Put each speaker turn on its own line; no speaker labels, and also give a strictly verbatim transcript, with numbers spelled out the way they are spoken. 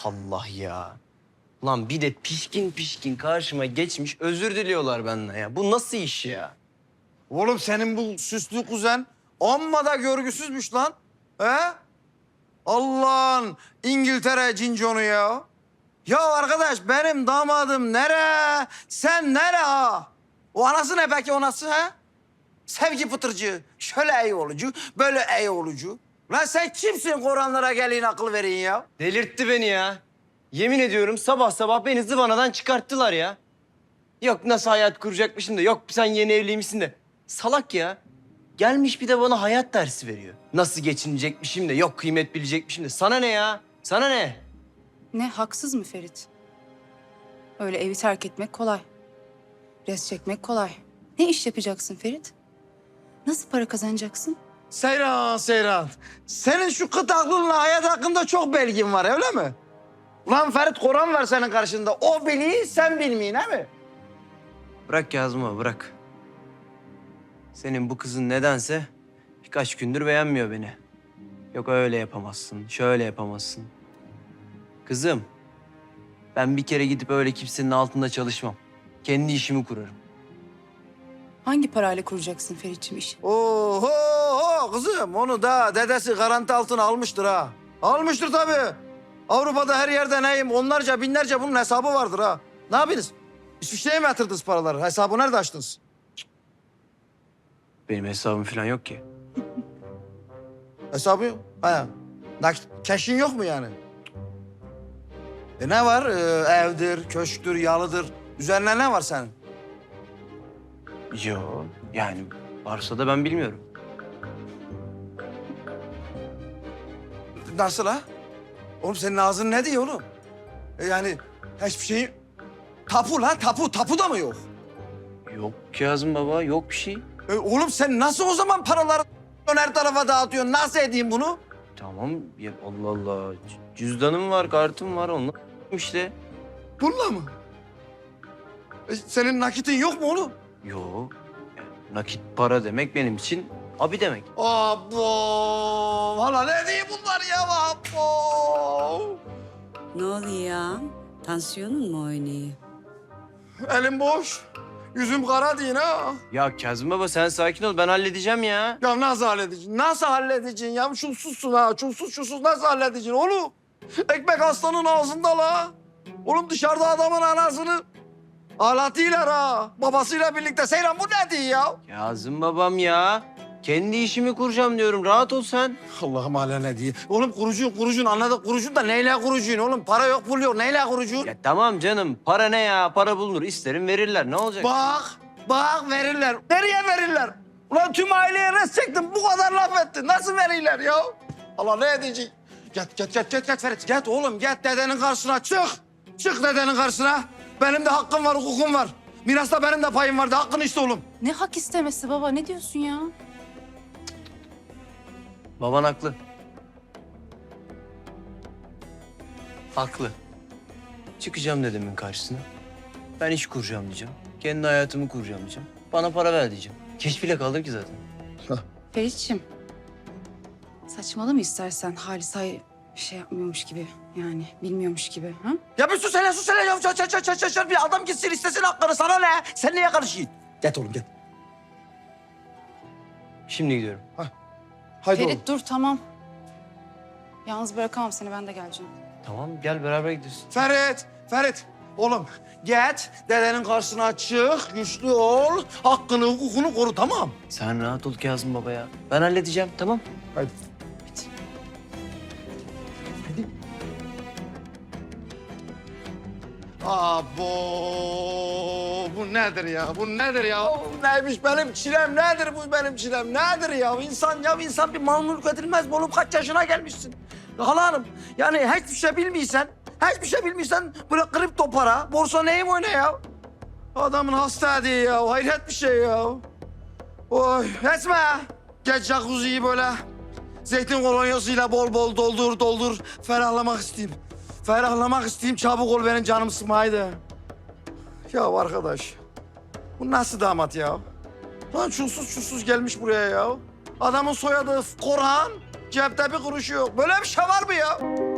Allah ya. Lan bir de pişkin pişkin karşıma geçmiş özür diliyorlar benden ya. Bu nasıl iş ya?
Oğlum senin bu süslü kuzen amma da görgüsüzmüş lan. He? Allah'ın İngiltere cinconu ya. Ya arkadaş benim damadım nere? Sen nere ha? O anası ne peki o nasıl ha? Sevgi pıtırcı, şöyle ey olucu, böyle ey olucu. Lan sen kimsin Kur'anlara gelin akıl verin ya?
Delirtti beni ya. Yemin ediyorum sabah sabah beni zıvanadan çıkarttılar ya. Yok nasıl hayat kuracakmışım da yok sen yeni evliymişsin de. Salak ya. Gelmiş bir de bana hayat dersi veriyor. Nasıl geçinecekmişim de yok kıymet bilecekmişim de. Sana ne ya? Sana ne?
Ne, haksız mı Ferit? Öyle evi terk etmek kolay. Res çekmek kolay. Ne iş yapacaksın Ferit? Nasıl para kazanacaksın?
Seyran, Seyran. Senin şu kıt aklınla hayat hakkında çok belgin var öyle mi? Ulan Ferit Kur'an var senin karşında. O biliyor, sen bilmeyin he mi?
Bırak yazma bırak. Senin bu kızın nedense birkaç gündür beğenmiyor beni. Yok öyle yapamazsın, şöyle yapamazsın. Kızım, ben bir kere gidip öyle kimsenin altında çalışmam. Kendi işimi kurarım.
Hangi parayla kuracaksın Ferit'ciğim işi?
Oho kızım onu da dedesi garanti altına almıştır ha. Almıştır tabii. Avrupa'da her yerde neyim onlarca binlerce bunun hesabı vardır ha. Ne yapıyorsunuz? İsviçre'ye mi yatırdınız paraları? Hesabı nerede açtınız?
Benim hesabım falan yok ki.
Hesabı yok. Ha. Nakit, cash'in yok mu yani? E ne var? Ee, evdir, köşktür, yalıdır. Üzerine ne var senin?
Yo, yani varsa da ben bilmiyorum.
Nasıl ha? Oğlum senin ağzın ne diyor oğlum? E yani hiçbir şeyin... Tapu lan, tapu. Tapu da mı yok?
Yok Kazım baba, yok bir şey.
E oğlum sen nasıl o zaman paraları her tarafa dağıtıyorsun? Nasıl edeyim bunu?
Tamam, ya Allah Allah. C- Cüzdanım var, kartım var, onunla işte.
Bununla mı? E senin nakitin yok mu oğlum?
Yok. Yani nakit para demek benim için abi demek.
Abo! Hala ne diyeyim bunlar ya? Abo!
Ne oluyor ya? Tansiyonun mu oynuyor?
Elim boş. Yüzüm kara değil ha.
Ya Kazım baba sen sakin ol, ben halledeceğim ya.
Ya nasıl halledeceksin? Nasıl halledeceksin ya? Çulsuzsun ha. Çulsuz çulsuz nasıl halledeceksin oğlum? Ekmek aslanın ağzında la. Oğlum dışarıda adamın anasını ağlatıyorlar ha. Babasıyla birlikte. Seyran bu ne diyor ya?
Kazım babam ya. Kendi işimi kuracağım diyorum, rahat ol sen.
Allah'ım hala ne diyor? Oğlum kurucun kurucun anladık kurucun da neyle kurucun oğlum? Para yok pul yok neyle kurucun?
Ya tamam canım, para ne ya? Para bulunur, isterim verirler, ne olacak?
Bak bak verirler. Nereye verirler? Ulan tüm aileye res çektim bu kadar laf ettin. Nasıl verirler ya? Allah ne edecek? Get get get get get Ferit. Get oğlum get dedenin karşısına çık. Çık dedenin karşısına. Benim de hakkım var hukukum var. Mirasta benim de payım vardı hakkını iste oğlum.
Ne hak istemesi baba, ne diyorsun ya?
Baban haklı. Haklı. Çıkacağım dedemin karşısına. Ben iş kuracağım diyeceğim. Kendi hayatımı kuracağım diyeceğim. Bana para ver diyeceğim. Geç bile kaldım ki zaten.
Ferit'ciğim, saçmalama istersen Halis Ay bir şey yapmıyormuş gibi. Yani bilmiyormuş gibi. Ha?
Ya bir sus hele sus hele ya. Çat çat çat çat çat çat. Bir adam gitsin istesin hakkını sana ne? Sen neye karışıyorsun? Get oğlum get.
Şimdi gidiyorum.
Haydi oğlum.
Ferit dur, tamam. Yalnız bırakamam seni, ben de geleceğim.
Tamam gel beraber gidiyoruz.
Ferit, Ferit. Oğlum git dedenin karşısına çık, güçlü ol, hakkını, hukukunu koru tamam.
Sen rahat ol Kazım baba ya. Ben halledeceğim tamam.
Haydi. Abo, bu nedir ya? Bu nedir ya? Neymiş benim çilem? Nedir bu benim çilem? Nedir ya? İnsan ya insan bir mamluluk edilmez mi oğlum? Kaç yaşına gelmişsin? Hala hanım, yani hiçbir şey bilmiyorsan, hiçbir şey bilmiyorsan böyle kripto para, borsa neyim oyna ya? Adamın hasta ediyor ya, hayret bir şey ya. Oy, etme. Geç jacuzziyi böyle zeytin kolonyasıyla bol bol doldur doldur. Ferahlamak isteyeyim. Ferahlamak isteyeyim, çabuk ol benim canım sıkma haydi. Ya arkadaş, bu nasıl damat ya? Lan çulsuz çulsuz gelmiş buraya ya. Adamın soyadı Korhan, cepte bir kuruşu yok. Böyle bir şey var mı ya?